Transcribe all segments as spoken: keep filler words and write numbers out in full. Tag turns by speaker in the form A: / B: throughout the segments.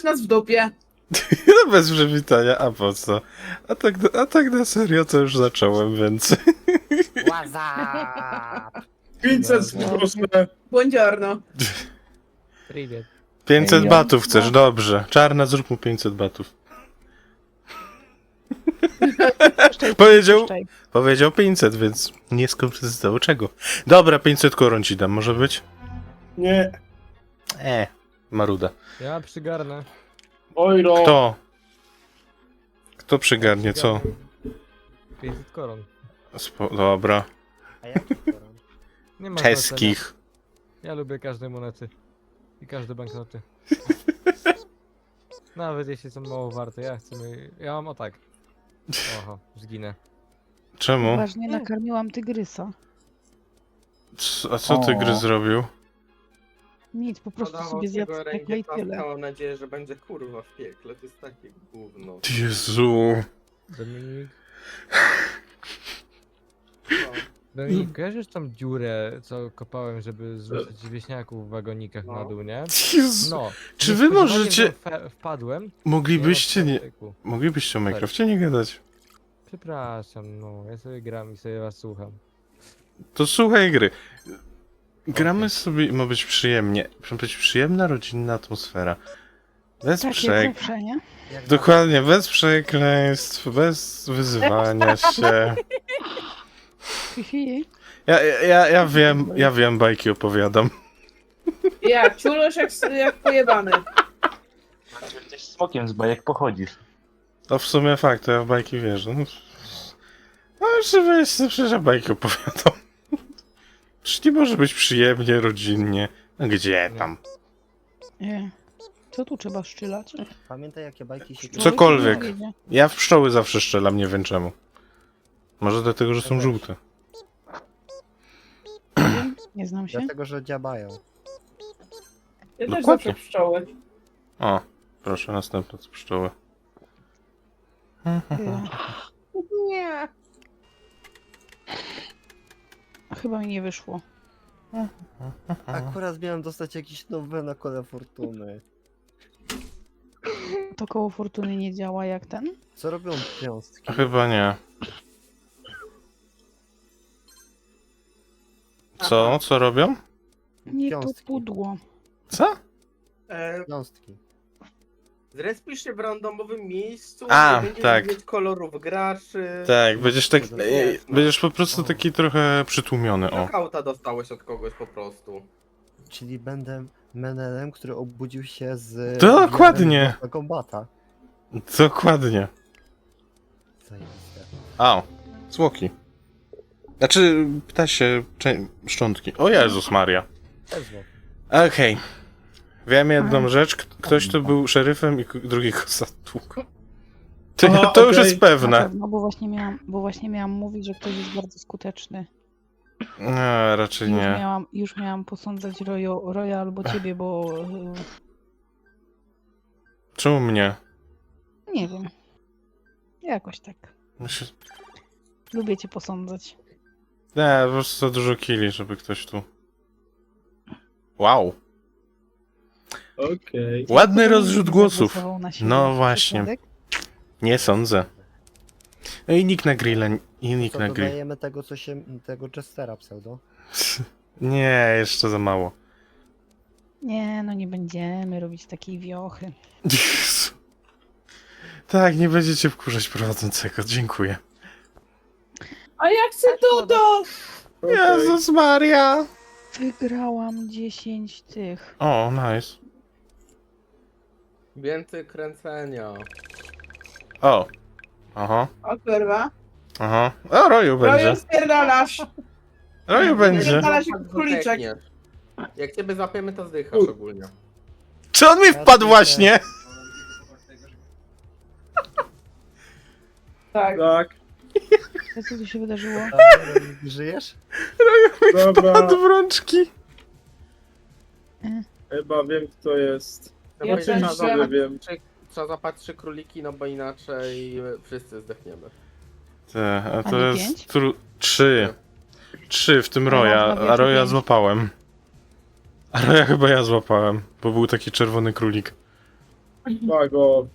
A: nas w dupie.
B: No bez przywitania, a po co? A tak, a tak na serio to już zacząłem, więc...
C: WhatsApp!
A: pięćset proszę. Buongiorno.
C: Привет.
B: pięćset
D: Ej,
B: batów
D: ja-
B: chcesz, dobrze. Czarna, zrób mu pięćset batów.
D: Puszczaj,
B: Powiedział,
D: puszczaj.
B: powiedział pięćset, więc nie skonfrontował czego. Dobra, pięćset koron ci dam, może być?
E: Nie.
B: E, maruda.
C: Ja przygarnę.
E: Ojro.
B: Kto? Kto przygarnie, co?
C: pięćset koron.
B: Spo dobra.
F: A jaki koron?
C: Nie ma znaczenia.
B: Czeskich.
C: Ja lubię każde monety. I każde banknoty. Nawet jeśli są mało warte, ja chcę... mi- Ja mam o tak. Oho, zginę.
B: Czemu?
D: Ważnie nakarmiłam tygrysa.
B: C a co ty
E: O.
B: gry zrobił?
D: Nic, po prostu
G: Podawał
D: sobie zjadł
G: tego
D: stekle i tyle.
G: mam nadzieję, że będzie kurwa w piekle, to jest takie gówno.
B: Jezu.
C: Dominik.
G: No.
C: Dominik, kojarzysz tą dziurę, co kopałem, żeby zrzucić wieśniaków w wagonikach na dół, nie?
B: Jezu.
C: No.
B: Czy wy
C: niespodziewanie
B: możecie...
C: w nią fe- Wpadłem.
B: Moglibyście
C: nie ma
B: nie...
C: praktyku.
B: Moglibyście o Minecrafcie nie gadać.
C: Przepraszam, no. Ja sobie gram i sobie was słucham.
B: To słuchaj gry. Gramy sobie i ma być przyjemnie. Ma być przyjemna, rodzinna atmosfera. Bez
D: Tak
B: przek...
D: jak zawsze, nie?
F: Jak
B: Dokładnie, bez przekleństw, bez wyzywania się.
D: Fifi,
B: Ja, ja, ja, ja wiem, ja wiem, bajki opowiadam.
A: Ja, ciulosz jak, jak pojebany.
H: Jesteś smokiem z bajek pochodzisz.
B: To w sumie fakt, to ja w bajki wierzę. No, no oczywiście, przecież ja bajki opowiadam. Przecież nie może być przyjemnie, rodzinnie. No gdzie tam?
D: nie. Co tu trzeba szczylać?
F: Pamiętaj jakie bajki się
B: Cokolwiek.
D: Człowiek nie wiedzie.
B: Ja w pszczoły zawsze strzelam, nie wiem czemu. Może dlatego, że są żółte.
D: Nie wiem, nie znam się.
F: Dlatego, że dziabają.
A: Ja też
B: Dokładnie.
A: zawsze pszczoły.
B: O, proszę, następne to pszczoły.
D: Y,
A: Nie.
D: Chyba mi nie wyszło.
F: Akurat miałem dostać jakiś nowy na kole fortuny.
D: To koło fortuny nie działa jak ten?
F: Co robią wiązki?
B: Chyba nie. Co? Co robią?
D: Nie to
F: Wiązki.
D: pudło.
B: Co?
G: E,
F: Wiązki.
G: zrespisz się w randomowym miejscu,
B: A,
G: nie będziesz
B: tak.
G: mieć kolorów graczy.
B: Tak, będziesz tak...
G: Kurde,
B: e,
G: jest, no.
B: Będziesz po prostu taki trochę przytłumiony, o.
G: Knockouta dostałeś od kogoś po prostu.
F: Czyli będę menelem, który obudził się z...
B: Dokładnie.
F: wiarem kombata.
B: Dokładnie.
F: Zajebiste.
B: A, smoki. Znaczy, ptasie cze- szczątki. O Jezus Maria.
F: Też zło.
B: Okej. Wiem jedną
D: Aha.
B: rzecz. K- Ktoś tu był szeryfem i k- drugi go zatłukł. To,
E: Aha,
B: to już
E: okej.
B: jest
D: Na
B: pewne.
D: pewno, bo właśnie miałam, bo właśnie miałam mówić, że ktoś jest bardzo skuteczny.
B: Nie, raczej
D: Już
B: nie.
D: miałam, już miałam posądzać Royo, Roya albo ciebie, bo
B: Czemu mnie?
D: y, nie wiem. Jakoś tak.
B: Myślę-
D: Lubię cię posądzać.
B: Nie, po prostu za dużo killi, żeby ktoś tu... Wow.
E: Okej.
B: Ładny rozrzut głosów.
D: Zagłosował na siebie.
B: No właśnie.
D: Przypadek?
B: Nie sądzę. No i nick na grilla, i nick
F: Co,
B: na grill.
F: dodajemy tego, co się... tego Chestera pseudo?
B: Nie, jeszcze za mało.
D: Nie, no nie będziemy robić takiej wiochy.
B: Jezu. Tak, nie będziecie wkurzać prowadzącego, dziękuję.
A: A ja chcę Dudo!
E: Okej.
B: Jezus Maria!
D: Wygrałam dziesięć tych.
B: O, nice.
G: Więcej kręcenia.
B: O. Aha,
A: O kurwa.
B: aha. O, Roju będzie.
A: Roju spierdalasz.
B: Roju będzie.
A: Spierdalasz jak króliczek.
G: Zdechniesz. Jak ciebie złapiemy, to zdychasz ogólnie.
B: Czy on mi wpadł właśnie?
A: Tak.
E: Tak,
D: To co tu się wydarzyło?
F: Żyjesz?
E: dobra.
B: Wpadł w rączki.
E: Chyba wiem kto jest.
G: No
A: Ja
G: bo
A: też
G: trzeba,
E: Sobie
A: wiem.
G: złapać
E: wiem.
G: trzy, trzeba złapać trzy króliki, no bo inaczej wszyscy zdechniemy.
B: Te, a
D: A
B: to
D: nie
B: jest
D: pięć?
B: tru... trzy. Trzy, w tym
D: A
B: Roja,
D: można
B: a Roja
D: pięć.
B: złapałem. A Roja chyba ja złapałem, bo był taki czerwony królik.
E: Wago.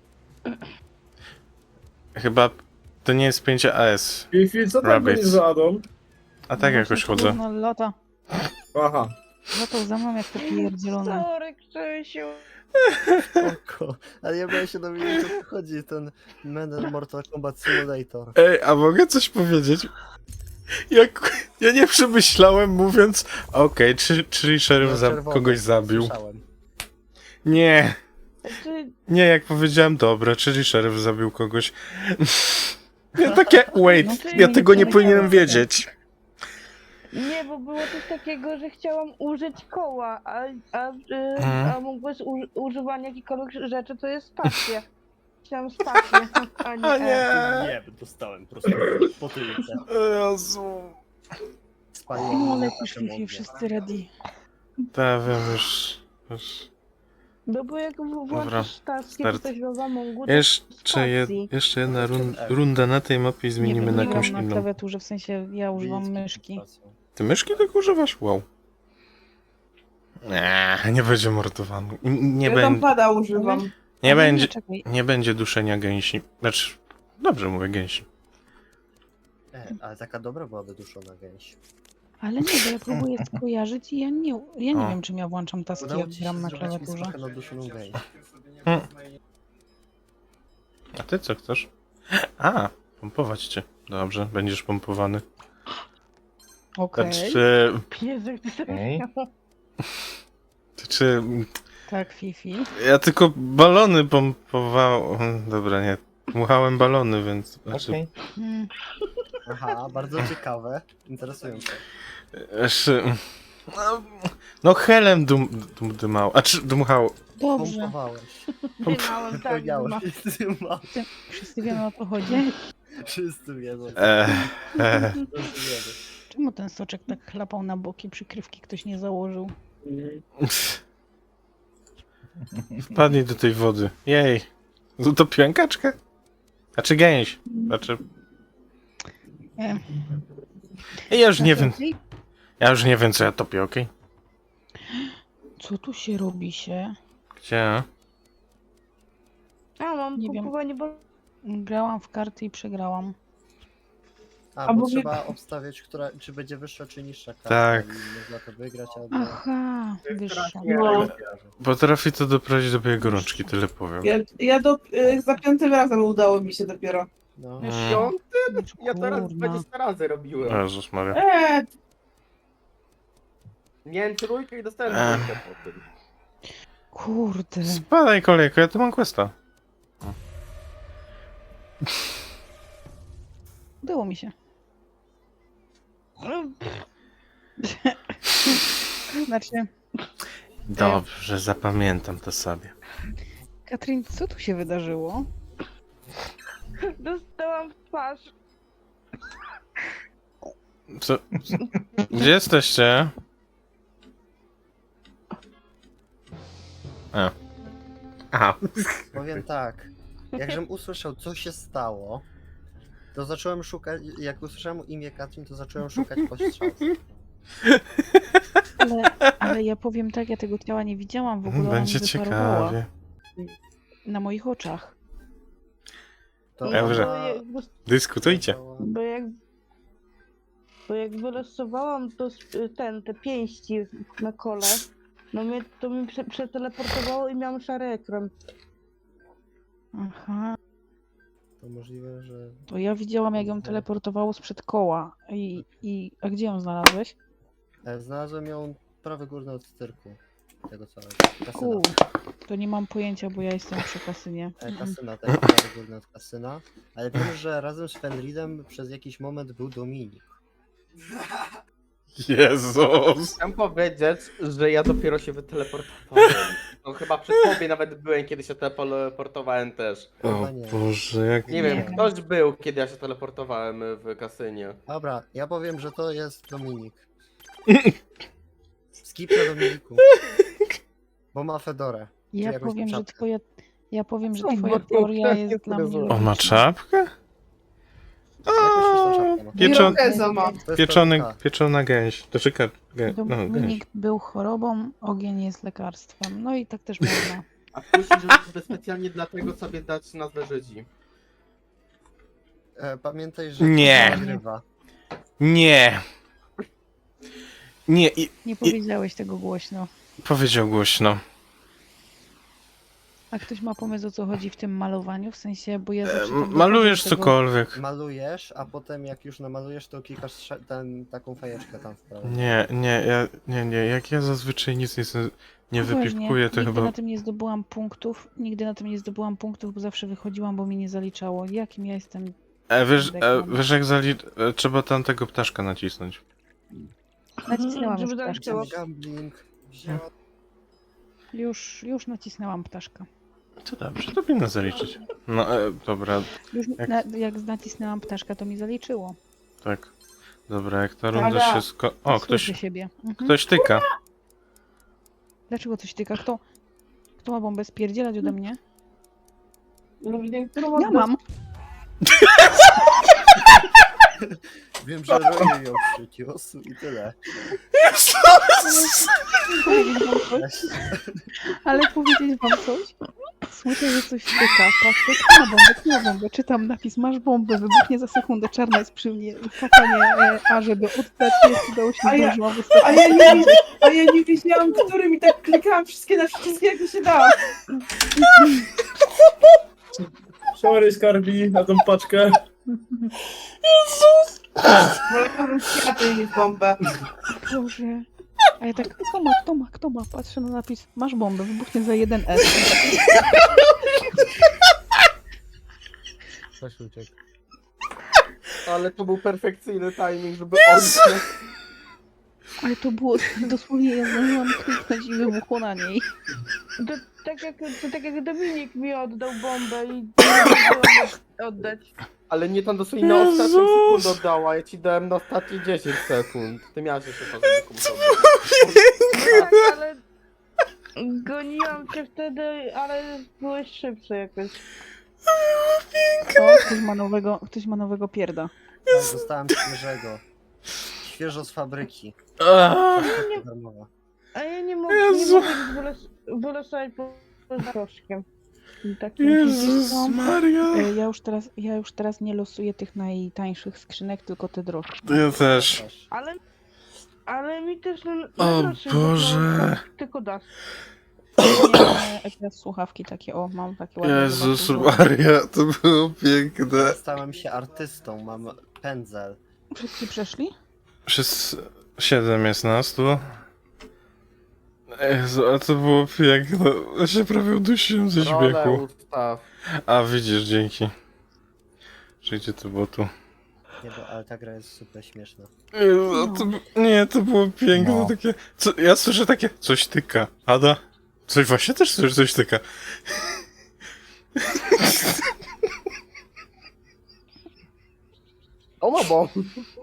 B: Chyba to nie jest pięć A S.
E: Fifi, co tam
B: Rabbits.
E: będzie za Adam?
B: A tak jakoś chodzę.
D: No lata.
E: Aha.
D: Latał za mną jak to pierdzielone.
A: Sorry, Krzysiu.
F: Spoko. Ale ja miałem się dowiedzieć, o co chodzi ten Menel Mortal Kombat Simulator.
B: Ej, a mogę coś powiedzieć? Jak ja nie przemyślałem mówiąc, okej, czy, czyli szeryf
F: No,
B: za,
F: czerwony,
B: kogoś zabił.
F: Słyszałem.
B: Nie,
A: Znaczy,
B: nie, jak powiedziałem, dobra, czyli szeryf zabił kogoś. Ja takie, wait,
D: No,
B: ja tego nie
D: nie
B: powinienem
D: wiedziałem.
B: wiedzieć.
I: Nie, bo było coś takiego, że chciałam użyć koła, a, a, y,
B: Mhm.
I: a mógłbyś uży, używanie jakichkolwiek rzeczy to jest spacja. Chciałam spację, a nie,
B: A
I: E.
B: nie.
F: Nie, dostałem po prostu po tyłce.
B: Jezu.
F: Spaliłem
D: No
F: na
D: lecisz,
F: takim
D: Fifi,
F: ogniu.
D: wszyscy ready.
B: Tak, wiem już. już.
I: No bo jak w-
B: Dobra,
I: włączysz taski
B: start.
I: czy coś w Amongu, to
B: Jeszcze, jed,
I: spacji.
B: jeszcze jedna run, runda na tej mapie i
D: Nie
B: zmienimy
D: wiem,
B: na
D: nie gram
B: jakąś
D: na
B: inną.
D: klawiaturze, w sensie ja używam
F: Wiejskim
D: myszki.
F: pracą.
B: Ty myszki tak używasz? Wow. Nie, nie będzie mordowany. N- Nie,
A: ja
B: będzie,
A: pada używam.
B: nie,
D: Ale
B: będzie,
D: czekaj,
B: nie będzie duszenia gęsi. Znaczy, dobrze mówię gęsi.
F: E, ale taka dobra była wyduszona gęś.
D: ale nie, bo ja próbuję skojarzyć i ja nie, ja nie
B: O.
D: wiem, czym ja włączam taski,
F: Udało
D: jak
F: ci się
D: gram na
F: zrobić mi
D: klawiaturze.
F: smakę na duszoną gęś.
B: Hmm. A ty co chcesz? A, pompować cię. Dobrze, będziesz pompowany.
D: Okej,
B: Znaczy,
I: Jezu, jak ty sobie
H: Okej.
I: śmiał.
B: czy
D: tak, Fifi.
B: ja tylko balony pompowałem. Dobra, nie. Dmuchałem balony, więc. Znaczy,
H: Okej.
D: Mm,
F: Aha, bardzo ciekawe. Interesujące.
B: jeszcze, no, no helem dum, dum, dymał. A czy dmuchał?
D: dobrze,
F: Pompowałeś.
I: Dymałem, tak,
F: Powiedziałeś.
I: dymałem.
F: Dymał.
D: wszyscy wiemy, o co chodzi.
F: Wszyscy wiedzą.
B: E, e,
F: Wszyscy wiedzą.
D: Czemu ten soczek tak chlapał na boki, przykrywki ktoś nie założył?
E: Mhm.
B: wpadnij do tej wody. Jej. Utopiłem kaczkę? Znaczy gęś. Znaczy.
D: E,
B: Ja już nie wiem.
D: Ej,
B: Ja już nie wiem, co ja topię, okej?
D: co tu się robi się?
B: Gdzie?
I: A, mam
D: Nie wiem.
I: pompowanie, bo
D: Grałam w karty i przegrałam.
F: A,
A: A
F: bo
A: mówię-
F: trzeba obstawiać, która, czy będzie wyższa, czy niższa karta.
B: Tak.
F: I można to wygrać albo...
D: Aha, wyższa.
A: No.
B: Potrafi to doprowadzić do białej gorączki, tyle powiem.
A: Ja, ja do, y, za piątym razem udało mi się dopiero.
F: No.
B: Mm.
G: Piąty? Ja teraz
D: Kurna.
G: dwadzieścia razy robiłem.
B: Jezus Maria.
A: Eee,
G: Miałem trójkę i dostałem
B: Ech.
G: trójkę po tym.
D: Kurde.
B: Spadaj kolejko, ja tu mam questa.
D: Udało mi się. Znaczy,
B: Dobrze, zapamiętam to sobie.
D: Katrin, co tu się wydarzyło?
I: dostałam w twarz.
B: Co? Gdzie jesteście? A. Aha.
F: Powiem tak, jakżem usłyszał, co się stało, to zacząłem szukać, jak usłyszałem imię Katrin, to zacząłem szukać postrzałów.
D: Ale, ale ja powiem tak, ja tego ciała nie widziałam w ogóle. ona
B: Będzie
D: mi wyparowała
B: ciekawie.
D: na moich oczach.
F: To
B: Ja
I: bo,
B: wierzę.
F: ona-
I: jak,
B: Dyskutujcie.
I: bo jak bo jak wylosowałam to, s- ten, te pięści na kole, no mnie, to mi prze, przeteleportowało i miałam szary ekran.
D: Aha.
F: To możliwe, że...
D: To ja widziałam, jak ją teleportowało sprzed koła. I, i, a gdzie ją znalazłeś?
F: E, Znalazłem ją prawy górny od cyrku. Tego całego. Kasyna.
D: Kur. To nie mam pojęcia, bo ja jestem przy kasynie.
F: E, Kasyna, tak, prawy górny od kasyna. Ale wiem, że razem z Fenridem przez jakiś moment był Dominik.
B: Jezus.
G: Chciałem powiedzieć, że ja dopiero się wyteleportowałem. No chyba przy tobie nawet byłem, kiedy się teleportowałem też.
B: O
F: Chyba nie.
B: Boże, jak...
G: Nie
D: Nie
G: wiem,
D: wiem.
G: ktoś był, kiedy ja się teleportowałem w kasynie.
F: Dobra, ja powiem, że to jest Dominik. Skip na Dominiku. Bo ma Fedorę.
D: Ja
F: jakąś
D: powiem, że
F: czapkę.
D: twoja. Ja powiem, że
G: Co,
D: twoja
G: bo-
D: teoria
G: jest
D: jest dla mnie.
G: fryzura.
B: On ma
D: logiczna.
B: czapkę?
F: Jakąś śmieszną czapkę ma.
B: Piecze...
A: Irokeza ma.
F: To jest
B: Pieczony,
F: peruka.
B: pieczona gęś. To czeka... Gę... No, gęś.
D: Dominik był chorobą, ogień jest lekarstwem. No i tak też można.
G: A myślisz, żeby specjalnie dlatego sobie dać nazwę Żydzi.
F: E, pamiętaj, że
B: Nie.
F: to nagrywa.
B: Nie. Nie, i
D: Nie powiedziałeś tego głośno.
B: powiedział głośno.
D: A ktoś ma pomysł, o co chodzi w tym malowaniu? W sensie, bo ja
B: E,
D: zawsze tak
B: malujesz
D: dochodzę do tego-
B: cokolwiek.
F: Malujesz, a potem jak już namalujesz, to klikasz trze- ten, taką fajeczkę tam w prawo.
B: Nie, nie, ja, nie, nie, jak ja zazwyczaj nic nie, z- nie
D: Poważnie,
B: wypiwkuję, to
D: nigdy
B: chyba...
D: na tym nie zdobyłam punktów, nigdy na tym nie zdobyłam punktów, bo zawsze wychodziłam, bo mi nie zaliczało. Jakim ja jestem?
B: E, wiesz, e,
D: Deklam.
B: wiesz jak zali... e, trzeba tamtego ptaszka nacisnąć.
D: Nacisnęłam
I: Żeby
D: już
I: tak
D: ptaszka.
I: było.
F: Gambling. Wzięła...
D: Już, już nacisnęłam ptaszka.
B: To dobrze, to powinno zaliczyć. No, e, dobra,
D: Już
B: Jak-
D: na, jak nacisnęłam ptaszka, to mi zaliczyło.
B: tak. Dobra, jak ta runda
A: Dobra.
B: się sko... O, ktoś,
D: Słyszę siebie. Mhm.
B: ktoś tyka.
D: Dlaczego coś tyka? Kto? Kto ma bombę spierdzielać ode mnie?
A: No, widzę, którą
D: Ja mam!
F: Wiem, że robię ją przyciosł i tyle.
D: Powiedzieć wam coś? Ale powiedzieć wam coś? Słyszę, że coś tyka. Patrzę, kto ma bombę, kto ma bombę. Czytam napis, masz bombę, wybuchnie za sekundę, czarna jest przy mnie. Kakanie, e, a żeby oddać, nie udało się,
A: A
D: nie
A: ja-
D: zdążyłam
A: A
D: wystawić.
A: ja nie, wi- a ja nie wiedziałam, którym i tak klikałam wszystkie na wszystkie, jak mi się dało.
E: Sorry, Skarbi, na tą paczkę.
A: Wolałabym kwiaty niż bombę.
D: Boże. A ja tak, kto ma, kto ma, kto ma? Patrzę na napis, masz bombę, wybuchnie za jeden S.
C: Ktoś uciekł.
G: Ale to był perfekcyjny timing, żeby on...
D: Ale to było dosłownie, ja zdążyłam kliknąć i wybuchło na niej.
I: To tak jak, to tak jak Dominik mi oddał bombę i nie zdążyłam oddać.
G: Ale nie tam dosłownie na ostatnią
B: Jezus!
G: sekundę oddała, ja ci dałem na ostatnie dziesięć sekund. Ty miałeś jeszcze czas, żeby komuś
I: Tak, ale goniłam cię wtedy, ale byłeś szybszy jakoś.
D: O, ktoś ma nowego, ktoś ma nowego pierda.
F: Tak, dostałem świeżego. Świeżo z fabryki.
B: Ach,
F: Paczka darmowa.
I: A ja nie mogę, nie
B: Jezu.
I: mogę wyles- wylosować po poza proszkiem. Takim
B: Jezus
D: co?
B: Maria.
D: E, Ja już teraz, ja już teraz nie losuję tych najtańszych skrzynek, tylko te droższe.
B: Ja też.
I: Ale, ale mi też na,
B: O
I: na naszym
B: Boże.
I: to tylko dasz.
D: Nie, teraz słuchawki takie, o, mam takie ładne.
B: Jezus
D: zobaczcie,
B: Maria, to było piękne.
F: Stałem się artystą, mam pędzel.
D: Wszyscy przeszli?
B: Przez siedem jest nas tu. Jezu, a to było piękne. Ja się prawie udusiłem ze
G: Rolę
B: śmiechu.
G: ustaw.
B: A widzisz, dzięki. Że gdzie to było tu?
F: Nie, bo, ale ta gra jest super śmieszna.
B: Jezu, a to, b- nie, to było piękne,
H: No.
B: takie... Co, ja słyszę takie... Coś tyka. Ada? Coś właśnie też słyszę, coś tyka.
G: O no bo.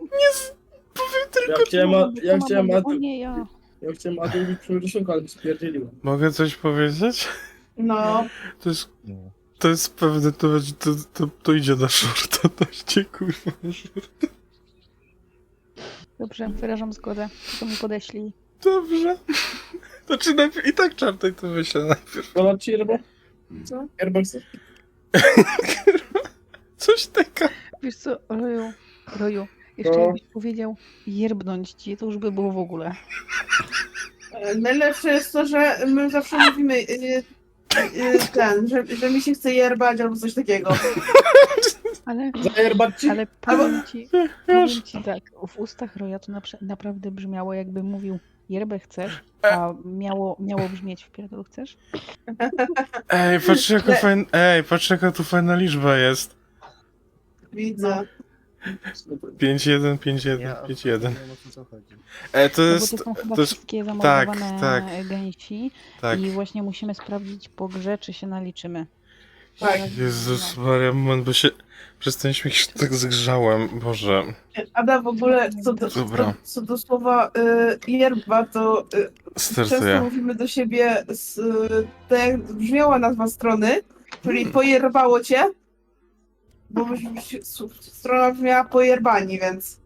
E: Ja chciałem, a, ja
D: Kto ma
E: chciałem,
D: bombę?
E: a,
D: O nie, ja.
E: ja chciałem Adu mi przy rysunku, ale spierdzieliłem.
B: Mogę coś powiedzieć?
A: No.
B: To jest... To jest pewne, to, będzie- to, to, to idzie na shorta, to idzie kurwa na shorta.
D: Dobrze, wyrażam zgodę. To mi podeślij.
B: Dobrze. Znaczy najpierw, i tak czarnej to myślę najpierw.
E: Dolać ci yerba?
A: Co?
E: Yerba chcesz?
B: Coś tyka.
D: Wiesz co, Roju, Roju, jeszcze
E: No.
D: jakbyś powiedział jerbnąć ci, to już by było w ogóle.
A: E, Najlepsze jest to, że my zawsze mówimy y, y, ten, że, że mi się chce jerbać albo coś takiego.
D: Ale,
E: Zajerbać ci?
D: ale powiem ci, powiem ci tak, w ustach Roja to napra- naprawdę brzmiało, jakby mówił yerbę chcesz, a miało, miało brzmieć w pierdolu chcesz?
B: Ej, patrz jaka fajna, ej, patrz jaka tu fajna liczba jest.
A: Widzę.
B: pięć jeden, pięć jeden,
F: Ja
B: pięć jeden.
F: nie wiem, o co chodzi.
B: Ej, to
D: No bo
B: jest,
D: to są chyba
B: to jest,
D: wszystkie
B: tak,
D: zamordowane
B: tak.
D: gęsi
B: tak.
D: i właśnie musimy sprawdzić po grze, czy się naliczymy.
A: Tak.
B: Jezus Maria, moment, bo się, przez ten śmiech się tak zgrzałem, Boże.
A: Ada w ogóle, co do,
B: Dobra.
A: co, co do słowa y, yerba, to y, często
B: Startuję.
A: mówimy do siebie, z, y, tak jak brzmiała nazwa strony, czyli pojerbało cię, bo byśmy się- s- strona brzmiała pojerbani, więc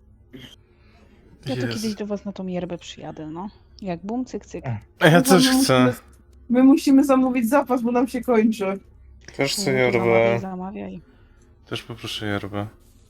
D: Ja to
B: Jezu.
D: kiedyś do was na tą yerbę przyjadę, no. Jak bum, cyk, cyk.
B: A ja też
A: No,
B: chcę.
A: musimy- My musimy zamówić zapas, bo nam się kończy.
B: Też chcę
D: No, to Zamawiaj,
B: yerbę.
D: zamawiaj.
B: Też poproszę yerbę.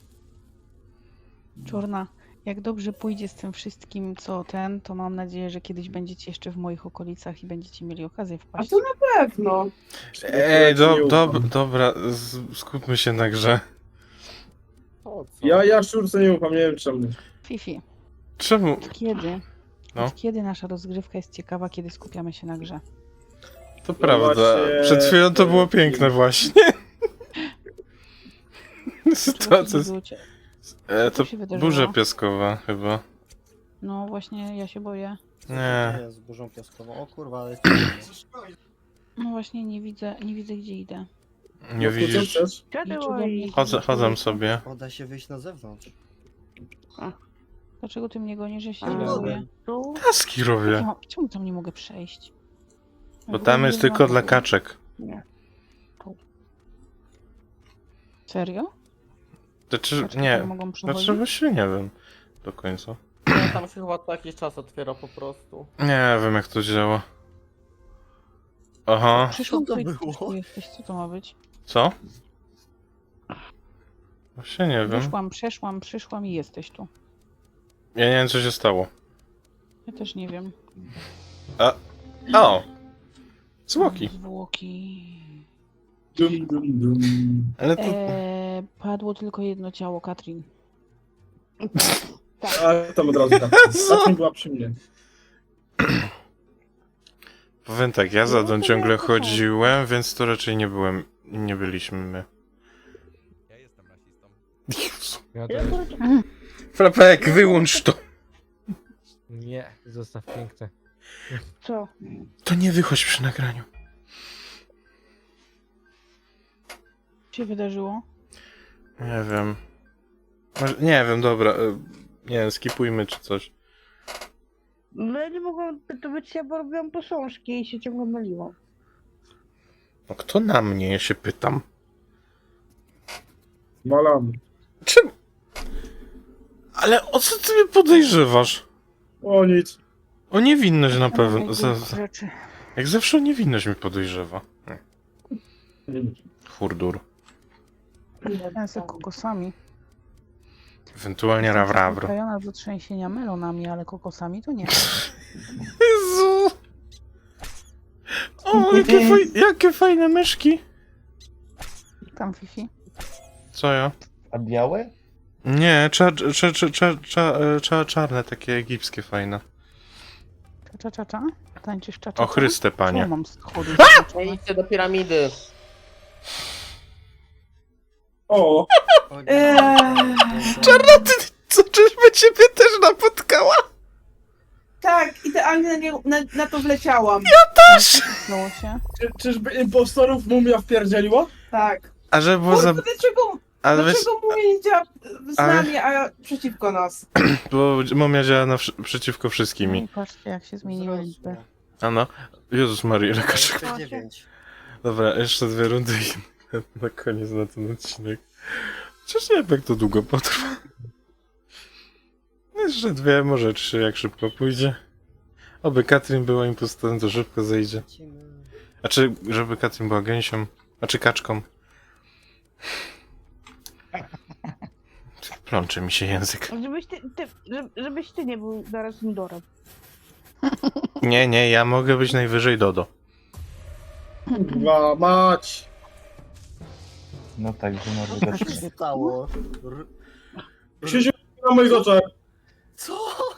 D: Czorna, jak dobrze pójdzie z tym wszystkim, co ten, to mam nadzieję, że kiedyś będziecie jeszcze w moich okolicach i będziecie mieli okazję
A: A
D: wpaść.
A: to na pewno.
B: Ej, do,
E: Nie
B: do,
E: ufam.
B: dobra, z- skupmy się na grze.
G: O, co?
E: Ja, ja szczurce nie ufam, nie wiem czemu.
D: Fifi,
B: Czemu?
D: od kiedy?
B: No.
D: Od kiedy nasza rozgrywka jest ciekawa, kiedy skupiamy się na grze?
B: To prawda.
E: właśnie-
B: Przed chwilą to było piękne właśnie. Sytuacja
D: Czego
B: z...
D: się było cie-
B: E,
D: Co
B: to
D: się wydarzyło?
B: burza piaskowa chyba.
D: No właśnie, ja się boję.
B: Nie.
F: Nie, z burzą piaskową. O kurwa, ale...
D: No właśnie, nie widzę, nie widzę gdzie idę.
B: Nie
E: No, to co
B: widzisz?
E: chcesz?
D: Idź ode mnie.
B: Chodzę, chodzę sobie.
F: O, da się wyjść na zewnątrz.
D: Dlaczego ty mnie gonisz, że się
I: A,
D: ciebie
F: no.
D: boję?
I: Tu?
B: Taski
D: Jak
B: robię.
D: ja mam- Czemu tam nie mogę przejść?
B: Bo tam jest tylko dla kaczek.
D: Serio?
B: Znaczy,
D: Kaczki
B: nie.
D: tam mogą przechodzić?
B: Znaczy właśnie nie wiem. Do końca.
G: Nie, tam się chyba co jakiś czas otwiera po prostu.
B: Nie wiem jak to działa. Aha.
D: Przyszłam
F: Co to
D: tutaj,
F: było?
D: tu jesteś, co to ma być?
B: Co? Właśnie nie wiem.
D: Wyszłam, przeszłam, przyszłam i jesteś tu.
B: Ja nie wiem co się stało.
D: Ja też nie wiem.
B: O! Zwłoki.
D: Zwłoki.
E: Dum, dum, dum.
B: Ale to...
D: Eee, padło tylko jedno ciało, Katrin.
E: A tam od razu tak.
B: Co?
E: Tak była przy mnie.
B: Powiem tak, ja za
D: No,
B: tą
D: to
B: ciągle
D: miałam to samo.
B: chodziłem, więc to raczej nie byłem... Nie byliśmy my. Jezu.
C: Ja to...
I: Ja akurat
B: Frapek, wyłącz to!
C: Nie, zostaw piękne.
I: co?
B: To nie wychodź przy nagraniu.
D: Co się wydarzyło?
B: Nie wiem. Może- Nie wiem, dobra. e, Nie wiem, skipujmy czy coś.
I: No ja nie mogłam to być, ja bo robiłam posążki i się ciągle myliłam.
B: No kto na mnie, ja się pytam.
E: Malam.
B: Czym? Ale o co ty mnie podejrzewasz?
E: O nic.
B: O niewinność na pewno.
D: Dawaj,
B: Za,
D: głup
B: za,
D: rzeczy.
B: jak zawsze o niewinność mnie podejrzewa. Nie. Hurdur.
D: Ja z kokosami.
B: Ewentualnie rawrawr.
D: Przyzwyczajona do trzęsienia melonami, ale kokosami to nie.
B: Jezu! O, jakie, faj, jakie fajne myszki!
D: Tam, Fifi.
B: Co ja?
H: A białe?
B: Nie, cza, cza, cza, cza, cza, cza, czarne, takie egipskie fajne.
D: Cza, cza, cza, cza? Tańczysz cza, cza,
B: O
D: cza?
B: Chryste,
D: Czemu
B: panie.
D: mam schody
G: Nie
D: zaznaczone?
G: idźcie do piramidy.
E: O!
A: Eee.
B: Czarnoty, co, czyżby ciebie też napotkała?
A: Tak, idealnie na, nie, na, na to wleciałam.
D: Stało się.
E: Czy, czyżby impostorów mumia wpierdzieliła?
A: Tak.
B: A że było za...
A: Kurde, dlaczego,
B: Ale wiesz,
A: dlaczego mówię nie działa z
B: ale-
A: nami, a przeciwko nas?
B: bo momia działa na, wszy- przeciwko wszystkim.
D: I patrzcie, jak się zmieniły liczby.
B: A no. Jezus Maria, ile kaczek.
F: dziewięć.
B: Dobra, jeszcze dwie rundy i na koniec na ten odcinek. Chociaż nie wiem jak to długo potrwa. Jeszcze dwie, może trzy, jak szybko pójdzie. Oby Katrin była impostorem, to szybko zejdzie. A czy, żeby Katrin była gęsią? A czy kaczką? Plączy mi się język.
I: Żebyś ty, ty żeby- żebyś ty nie był zaraz Indorem.
B: Nie, nie, ja mogę być najwyżej Dodo.
E: Kurwa, mać!
H: No tak, że może
F: Co
H: dać.
F: się stało? R-
E: Krzysiu na moich oczach.
F: Co?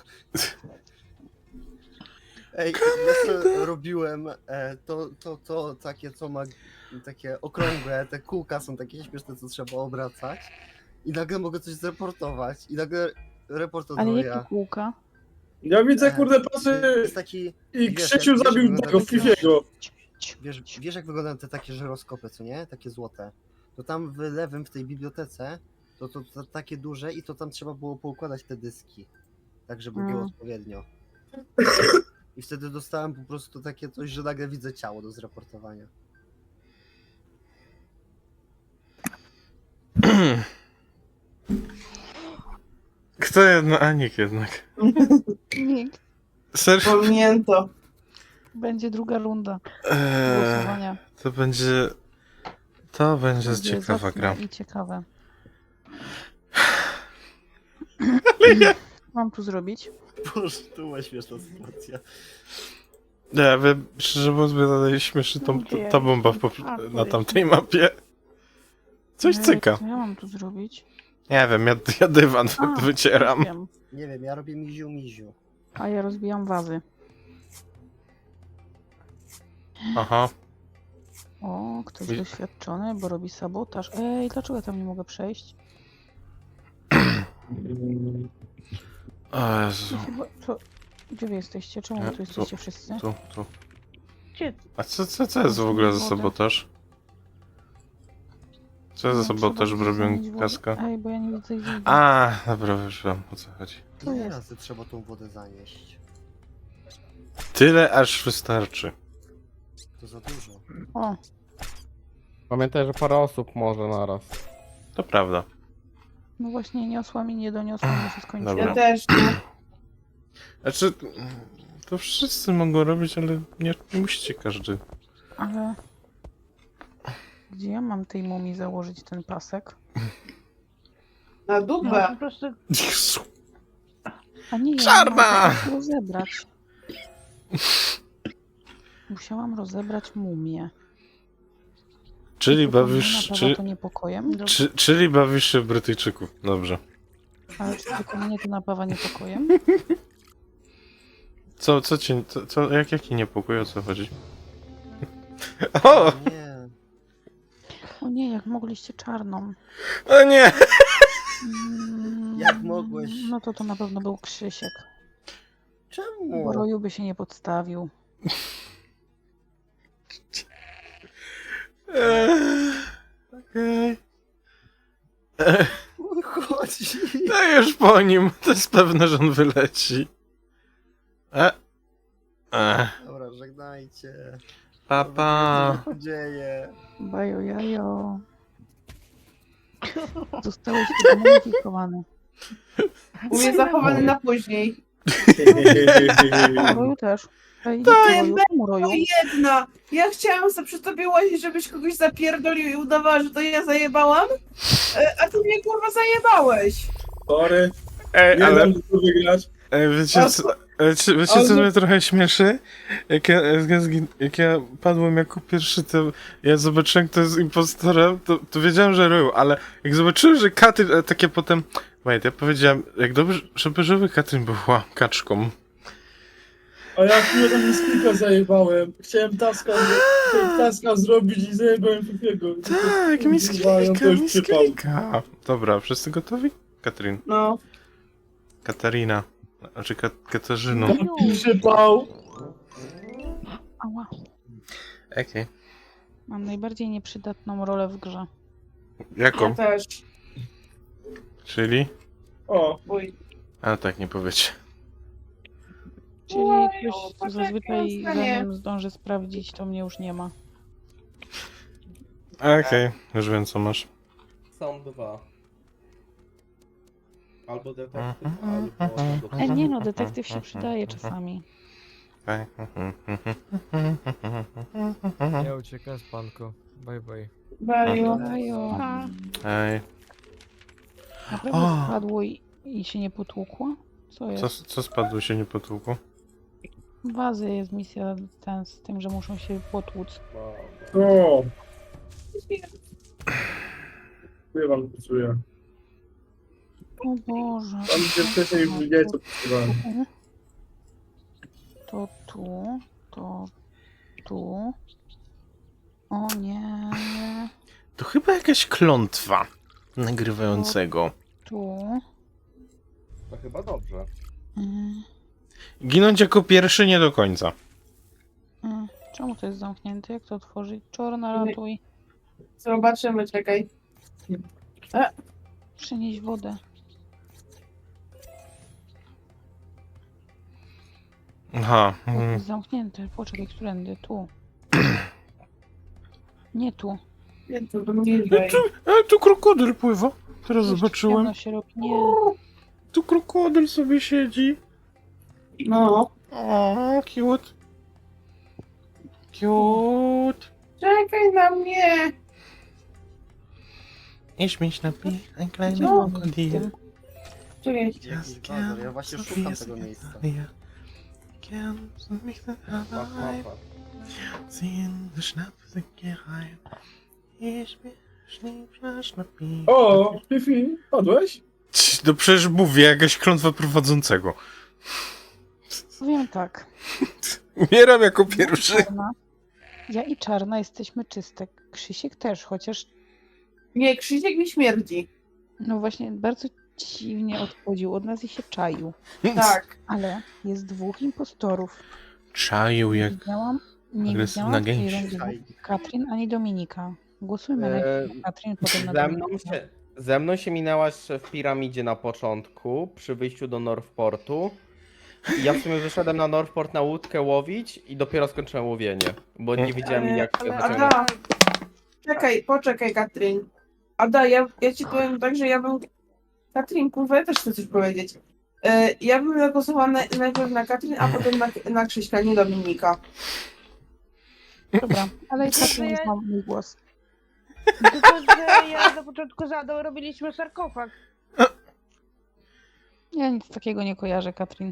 F: Ej, ja sobie robiłem e, to, to, to takie, co ma takie okrągłe, te kółka są takie śmieszne, co trzeba obracać. I nagle mogę coś zreportować. I nagle report
D: Ale jakie
F: odwołuje.
D: kółka?
E: Ja widzę,
F: E,
E: kurde, pasy
F: Jest taki,
E: i
F: wiesz,
E: Krzysiu
F: jak-
E: zabił
F: wiesz,
E: tego
F: jak-
E: Fifiego.
F: wiesz, wiesz jak wyglądają te takie żyroskopy, co nie? Takie złote. To tam w lewym, w tej bibliotece, to, to, to takie duże i to tam trzeba było poukładać te dyski. Tak, żeby było
D: Mm.
F: odpowiednio. I wtedy dostałem po prostu takie coś, że nagle widzę ciało do zraportowania.
B: Kto jednak? A nikt jednak.
D: Nikt.
B: Serio?
A: Pominięto.
D: Będzie druga runda
B: Eee,
D: głosowania.
B: to będzie... To będzie
D: Będzie
B: ciekawa
D: zacne
B: gra.
D: i ciekawe.
B: Ale ja...
D: Mam tu zrobić?
F: Boże, to była śmieszna sytuacja.
B: Nie wiem, szczerze mówiąc, mnie dalej śmieszy tą, ta, ta bomba w pop- na tamtej mapie. Coś
D: Ej,
B: cyka.
D: Co ja mam tu zrobić?
B: Nie wiem, ja, ja dywan
D: A,
B: wycieram.
D: Wiem.
F: Nie wiem, ja robię miziu miziu.
D: A ja rozbijam wazy.
B: Aha.
D: O, ktoś
B: Wi-
D: doświadczony, bo robi sabotaż. Ej, dlaczego ja tam nie mogę przejść?
B: O Jezu.
D: Ja chyba, co? Gdzie wy jesteście? Czemu wy
B: Nie,
D: tu
B: tu.
D: jesteście wszyscy?
B: Tu, tu.
I: Gdzie?
B: A co, co, co jest w ogóle za sabotaż? Co jest za
D: No,
B: sabotaż,
D: trzeba
B: bo robią
D: zmienić wodę.
B: kaska?
D: Ej, bo ja nie widzę ich.
B: A, dobra, już wiem, o co chodzi.
D: Co
F: Ile
D: jest?
F: razy trzeba tą wodę zanieść?
B: Tyle, aż wystarczy.
F: To za dużo.
D: O,
E: Pamiętaj, że parę osób może naraz.
B: To prawda.
D: no właśnie niosłam i nie doniosłam, bo się skończyło.
B: Dobra.
A: Ja też, no.
B: Znaczy, to wszyscy mogą robić, ale nie, nie musicie każdy.
D: Ale... Gdzie ja mam tej mumii założyć ten pasek?
A: Na
I: No,
A: dupę.
I: po prostu
B: Jezu.
D: A nie, ja
B: Czarna!
D: musiałam rozebrać. Musiałam rozebrać mumię.
B: Czyli
D: Tylko
B: bawisz,
D: mnie napawa
B: czy,
D: to niepokojem?
B: czy, czyli bawisz się w Brytyjczyków. Dobrze.
D: Ale czy tylko mnie to napawa niepokojem?
B: Co, co cię, co, co jak, jaki niepokój, o co chodzi? O!
F: Nie.
D: O nie, jak mogliście czarną.
B: O nie!
D: Mm,
F: Jak mogłeś?
D: No to to na pewno był Krzysiek.
F: Czemu?
D: Bo Roju by się nie podstawił.
B: Eee, Okej. Eee,
F: Chodzi.
B: No już po nim, to jest pewne, że on wyleci. E. E.
F: Dobra, żegnajcie.
B: Papa.
F: Co się dzieje?
D: Bajo jajo. Zostałeś zmodyfikowany.
A: U mnie zachowany na później.
D: Roju też. Ej,
A: To
D: Roju, czemu Roju?
A: To jedna! Ja chciałam sobie przy tobie łazić, żebyś kogoś zapierdolił i udawała, że to ja zajebałam, e, a ty mnie kurwa zajebałeś.
E: Sorry,
B: Ej,
E: nie
B: ale
E: dam tu wygrać.
B: e, wiecie
A: A
B: co, wiecie, wiecie
A: ale-
B: co mnie trochę śmieszy? Jak ja, jak, ja zgin- jak ja padłem jako pierwszy, to ja zobaczyłem, kto jest impostorem, to, to wiedziałem, że Ryu, ale jak zobaczyłem, że Katrin, e, takie potem... Wait, ja powiedziałem, jak dobrze, żeby, żeby Katrin była kaczką.
E: A ja chwilę tam Miskika zajebałem. Chciałem taska, chciałem taska zrobić i zajebałem Fifiego.
B: Tak,
E: Kurwa,
B: misklika,
E: ją to już przypał.
B: misklika. Dobra, wszyscy gotowi? Katrin.
A: No.
B: Katarina. Znaczy Ka Katarzyną.
E: Taki przypał.
D: Ała.
B: Okej.
D: Mam najbardziej nieprzydatną rolę w grze.
A: Ja
B: Jaką?
A: też.
B: Czyli?
E: O,
A: Uj.
B: A tak, nie powiecie.
D: Czyli
A: Oj,
D: ktoś, co
A: poczekaj,
D: zazwyczaj
A: zostanie.
D: zanim zdąży sprawdzić, to mnie już nie ma.
B: Okej, już wiem co masz.
G: Są dwa. Albo detektyw,
B: Mhm.
G: albo...
D: E, nie no, detektyw się przydaje czasami.
B: Okej.
C: Ja uciekam z panko. Bye bye.
A: Bajo.
D: Bajo.
B: Ej,
D: Naprawdę
B: O.
D: spadło i, i się nie potłukło? Co
B: co,
D: jest?
B: co spadło się nie potłukło?
D: Wazy jest misja ten z tym, że muszą się potłuc.
E: o. Ja wam psuję.
D: O Boże.
E: Tam gdzie wcześniej już widziałeś co pisywałem.
D: To tu, to tu. O nie,
B: To chyba jakaś klątwa nagrywającego.
D: tu.
G: To chyba dobrze.
D: Mm,
B: Ginąć jako pierwszy nie do końca.
D: mm. Czemu to jest zamknięte? Jak to otworzyć? Czorna, ratuj.
A: Zobaczymy, czekaj.
D: Przynieś wodę.
B: Aha.
D: To
B: mm.
D: jest zamknięte. Poczekaj, którędy? Tu. Nie tu.
A: Nie, to bliżej.
B: E, tu krokodyl pływa. Teraz
D: Jeszcze
B: zobaczyłem.
D: ciemno się robi. Nie.
B: Tu krokodyl sobie siedzi.
A: No.
B: O, cute. Cute.
A: Czekaj na mnie!
B: Ich mich napij, ein kleines
A: No.
B: Krokodil.
A: Czekaj.
F: Jakiś bazar, ja właśnie szukam tego miejsca.
B: Gern mich dann
G: Łap, łap,
B: rein,
G: łap.
B: ziehen die Schnapsicke rein. Ich mich schnipp, schnappi.
E: O, Fifi, padłeś?
B: Cii, No przecież mówię, jakaś klątwa prowadzącego.
D: Powiem tak.
B: Umieram jako
D: Ja i
B: pierwszy.
D: Czarna, ja i Czarna jesteśmy czyste. Krzysiek też, chociaż
A: Nie, Krzysiek mi śmierdzi.
D: no właśnie bardzo dziwnie odchodził od nas i się czaił.
A: Tak.
D: Ale jest dwóch impostorów.
B: Czaił
D: Nie
B: jak...
D: widziałam, nie
B: agresywna
D: widziałam
B: gęś.
D: tej rundy Katrin ani Dominika. Głosujmy
G: Eee,
D: najpierw na Katrin, potem na
G: Ze mną,
D: Dominika.
G: się, ze mną się minęłaś w piramidzie na początku, przy wyjściu do Northportu. I ja w sumie wyszedłem na Northport na łódkę łowić i dopiero skończyłem łowienie, bo nie wiedziałem
A: Ale-
G: jak
A: ale
G: wyciągnąć.
A: Ada, czekaj, poczekaj, Katrin. Ada, ja, ja ci powiem tak, że ja bym... Katrin, kurwa, ja też chcę coś powiedzieć. E, ja bym zagłosowała na, najpierw na Katrin, a potem na, na Krzyśka, nie Dominika.
D: Dobra, ale i
I: Znaczy,
D: Katrin
I: ja-
D: ma mój głos.
I: Tylko, że ja na początku zadał, robiliśmy sarkofag.
D: Ja nic takiego nie kojarzę, Katrin.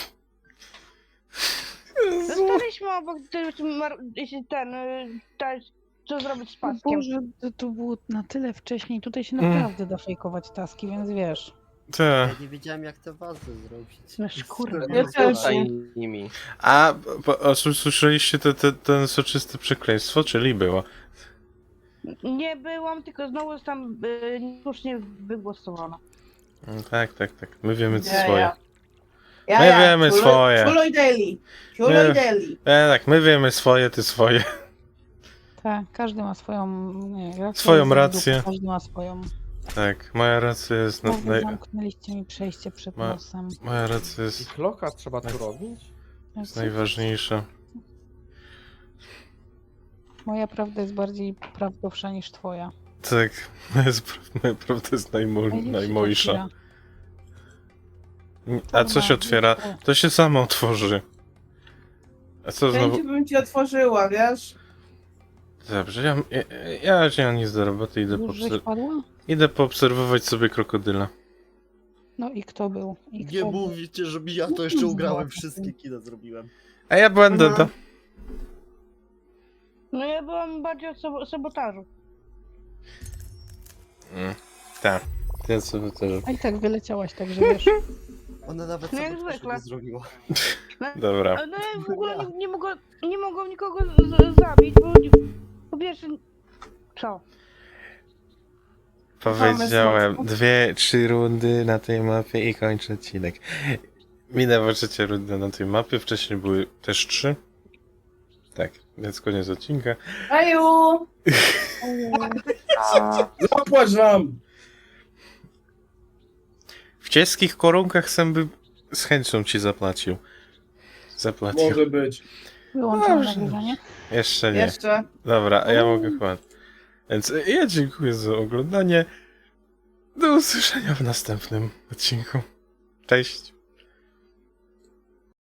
I: Zostaliśmy obok ty- ty- mar- ten, y, ten, co zrobić z
D: O
I: paskiem.
D: Boże, to, to było na tyle wcześniej. Tutaj się
B: Mm.
D: naprawdę da fejkować taski, więc wiesz.
B: Te.
F: Ja nie wiedziałem jak te wazy zrobić.
D: No szkurwa.
A: Ja też.
G: Tutaj nimi.
B: A, po, a s- słyszeliście te, te, ten soczyste przekleństwo, czyli było?
I: Nie byłam, tylko znowu tam y, niesłusznie wygłosowana.
B: No, tak, tak, tak. My wiemy co
A: Ja,
B: swoje.
A: ja. Ja,
B: My
A: ja.
B: wiemy
A: Ciulo-
B: swoje.
A: Ciulo i Deli. Ciulo
B: Nie.
A: i Deli.
B: E, tak, my wiemy swoje, ty swoje.
D: Tak, każdy ma swoją nie, rację.
B: Swoją
D: jest w
B: rację.
D: dupie, Każdy ma swoją.
B: Tak, moja racja jest... Na,
D: Boże,
B: naj,
D: zamknęliście mi przejście przed
B: Ma-
D: nosem.
B: moja racja
G: I
B: jest,
G: kloka trzeba tu robić?
B: jest najważniejsza.
D: Moja prawda jest bardziej prawdowsza niż twoja.
B: Tak, moja, jest, pra- moja prawda jest najmo,
D: Ej, już się
B: najmojsza.
D: otwiera.
B: A co się otwiera? To się samo otworzy. A co znowu?
A: Chęci bym ci otworzyła, wiesz?
B: Dobrze, ja, ja, ja nie mam nic do roboty, idę,
D: Już żeś
B: poobser-
D: padła?
B: idę poobserwować sobie krokodyla.
D: No i kto był? I kto
F: Nie
D: był?
F: mówicie, że ja to jeszcze ugrałem, wszystkie kina zrobiłem.
B: A ja będę
A: Mhm.
B: to.
I: No ja byłam bardziej od sobo- sabotażu.
B: Mm, tak, ja sobie też.
D: A i tak wyleciałaś, także wiesz.
F: Ona nawet
I: No
F: sobie
I: jak
F: też
I: zwykle.
F: nie zrobiła.
B: Dobra.
I: Ale no ja w ogóle nie, nie, mogła, nie mogłam nikogo z, zabić, bo po pierwsze... Co?
B: Powiedziałem
A: Mamy
B: dwie, trzy rundy na tej mapie i kończę odcinek. Minęła trzecia runda na tej mapie, wcześniej były też trzy. Tak, więc koniec odcinka.
A: Aju!
E: Zapłać nam!
B: W cieskich korunkach sam by z chęcią ci zapłacił. Zapłacił.
E: Może być.
D: Wyłączam
B: Dobrze.
D: nagrywanie.
B: Jeszcze nie.
A: Jeszcze.
B: Dobra, a ja mogę chyba. Więc ja dziękuję za oglądanie. Do usłyszenia w następnym odcinku. Cześć.